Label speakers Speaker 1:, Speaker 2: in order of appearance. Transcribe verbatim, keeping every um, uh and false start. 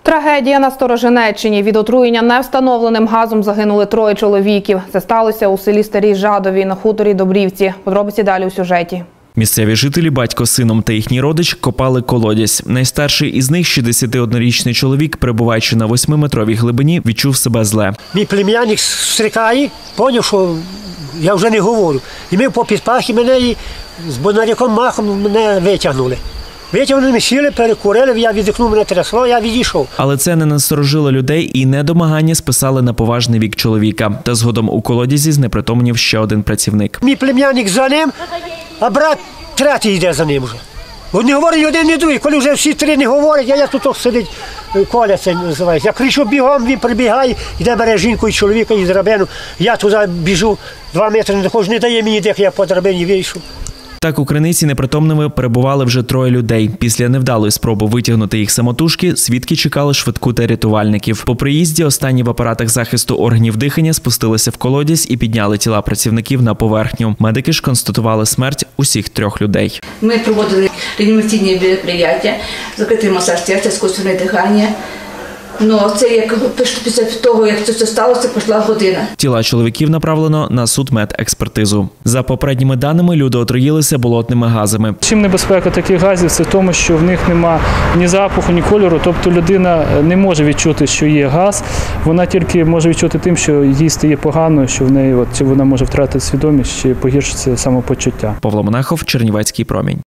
Speaker 1: Трагедія на Сторожинеччині. Від отруєння невстановленим газом загинули троє чоловіків. Це сталося у селі Старій Жадові на хуторі Добрівці. Подробиці далі у сюжеті.
Speaker 2: Місцеві жителі, батько з сином та їхній родич, копали колодязь. Найстарший із них, шістдесятиоднорічний чоловік, перебуваючи на восьмиметровій глибині, відчув себе зле.
Speaker 3: Мій племянник стрикає, зрозумів, що я вже не говорю. І ми попід пахи мене і з бонаряком махом мене витягнули. Витягнули, ми сіли, перекурили, я віддихнув, мене трясло, я відійшов.
Speaker 2: Але це не насторожило людей і недомагання списали на поважний вік чоловіка. Та згодом у колодязі знепритомнів ще один працівник.
Speaker 3: Мій племянник за ним, а брат третій йде за ним вже. Вони говорять один, не другий. Коли вже всі три не говорять, а я тут сидить, Коля це називається. Я кричу бігом, він прибігає, йде бере жінку і чоловіка і драбину. Я туди біжу, два метри не доходжу, не дає мені дих, я по драбині вийшов.
Speaker 2: Так у криниці непритомними перебували вже троє людей. Після невдалої спроби витягнути їх самотужки, свідки чекали швидку та рятувальників. По приїзді останні в апаратах захисту органів дихання спустилися в колодязь і підняли тіла працівників на поверхню. Медики ж констатували смерть усіх трьох людей.
Speaker 4: Ми проводили реанімаційні мероприятия, закритий масаж серця, іскусственне дихання. Ну, це як після того, як це сталося, пройшла година.
Speaker 2: Тіла чоловіків направлено на судмедекспертизу. За попередніми даними, люди отруїлися болотними газами.
Speaker 5: Чим небезпека таких газів – це в тому, що в них нема ні запаху, ні кольору. Тобто людина не може відчути, що є газ. Вона тільки може відчути тим, що їй стає погано, що в неї от, чи вона може втратити свідомість, чи погіршиться самопочуття.
Speaker 2: Павло Монахов, Чернівецький промінь.